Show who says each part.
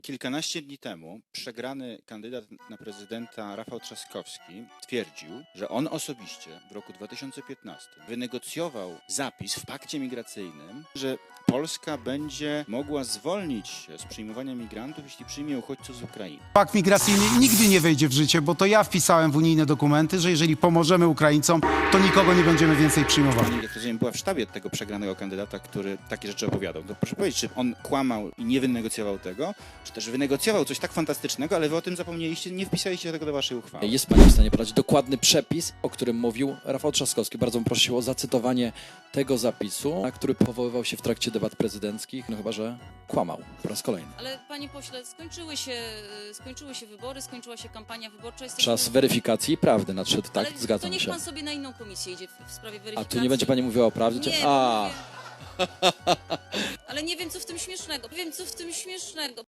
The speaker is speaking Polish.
Speaker 1: Kilkanaście dni temu przegrany kandydat na prezydenta Rafał Trzaskowski twierdził, że on osobiście w roku 2015 wynegocjował zapis w pakcie migracyjnym, że Polska będzie mogła zwolnić się z przyjmowania migrantów, jeśli przyjmie uchodźców z Ukrainy.
Speaker 2: Pakt migracyjny nigdy nie wejdzie w życie, bo to ja wpisałem w unijne dokumenty, że jeżeli pomożemy Ukraińcom, to nikogo nie będziemy więcej przyjmowali.
Speaker 1: Pani, jak rozumiem, była w sztabie tego przegranego kandydata, który takie rzeczy opowiadał. To proszę powiedzieć, czy on kłamał i nie wynegocjował tego, czy też wynegocjował coś tak fantastycznego, ale wy o tym zapomnieliście, nie wpisaliście tego do waszej uchwały.
Speaker 3: Jest Pani w stanie podać dokładny przepis, o którym mówił Rafał Trzaskowski. Bardzo bym prosił o zacytowanie tego zapisu, na który powoływał się w trakcie debat prezydenckich, no chyba że kłamał po raz kolejny.
Speaker 4: Ale panie pośle, skończyły się wybory, skończyła się kampania wyborcza.
Speaker 3: Czas weryfikacji prawdy nadszedł, tak?
Speaker 4: Ale to
Speaker 3: Zgadzam
Speaker 4: niech
Speaker 3: się.
Speaker 4: pan sobie na inną komisję idzie w sprawie
Speaker 3: A
Speaker 4: weryfikacji.
Speaker 3: tu nie będzie Pani mówiła o prawdzie?
Speaker 4: Nie,
Speaker 3: A.
Speaker 4: Ale nie wiem, co w tym śmiesznego. Nie wiem, co w tym śmiesznego.